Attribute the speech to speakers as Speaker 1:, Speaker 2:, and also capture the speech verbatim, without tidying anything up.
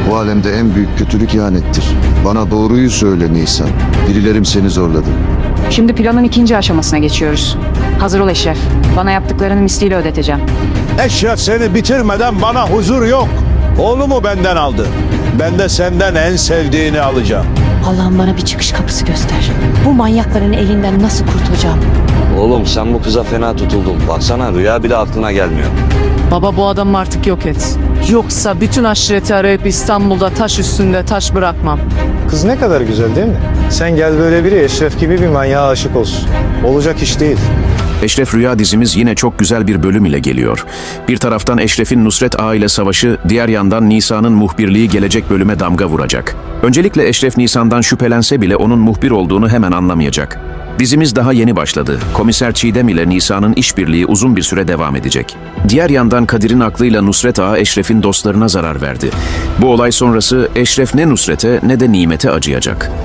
Speaker 1: Bu alemde en büyük kötülük ihanettir. Bana doğruyu söyle Nisan. Birilerim seni zorladı.
Speaker 2: Şimdi planın ikinci aşamasına geçiyoruz. Hazır ol Eşref. Bana yaptıklarını misliyle ödeteceğim.
Speaker 3: Eşref seni bitirmeden bana huzur yok. Oğlumu benden aldı. Ben de senden en sevdiğini alacağım.
Speaker 4: Allah'ım bana bir çıkış kapısı göster. Bu manyakların elinden nasıl kurtulacağım?
Speaker 5: Oğlum sen bu kıza fena tutuldun. Baksana rüya bile aklına gelmiyor.
Speaker 6: Baba bu adamı artık yok et. Yoksa bütün aşireti arayıp İstanbul'da taş üstünde taş bırakmam.
Speaker 7: Kız ne kadar güzel değil mi? Sen gel böyle biri Eşref gibi bir manyağa aşık olsun. Olacak iş değil.
Speaker 8: Eşref Rüya dizimiz yine çok güzel bir bölüm ile geliyor. Bir taraftan Eşref'in Nusret Ağa ile savaşı, diğer yandan Nisa'nın muhbirliği gelecek bölüme damga vuracak. Öncelikle Eşref Nisan'dan şüphelense bile onun muhbir olduğunu hemen anlamayacak. Dizimiz daha yeni başladı. Komiser Çiğdem ile Nisa'nın işbirliği uzun bir süre devam edecek. Diğer yandan Kadir'in aklıyla Nusret Ağa Eşref'in dostlarına zarar verdi. Bu olay sonrası Eşref ne Nusret'e ne de Nimet'e acıyacak.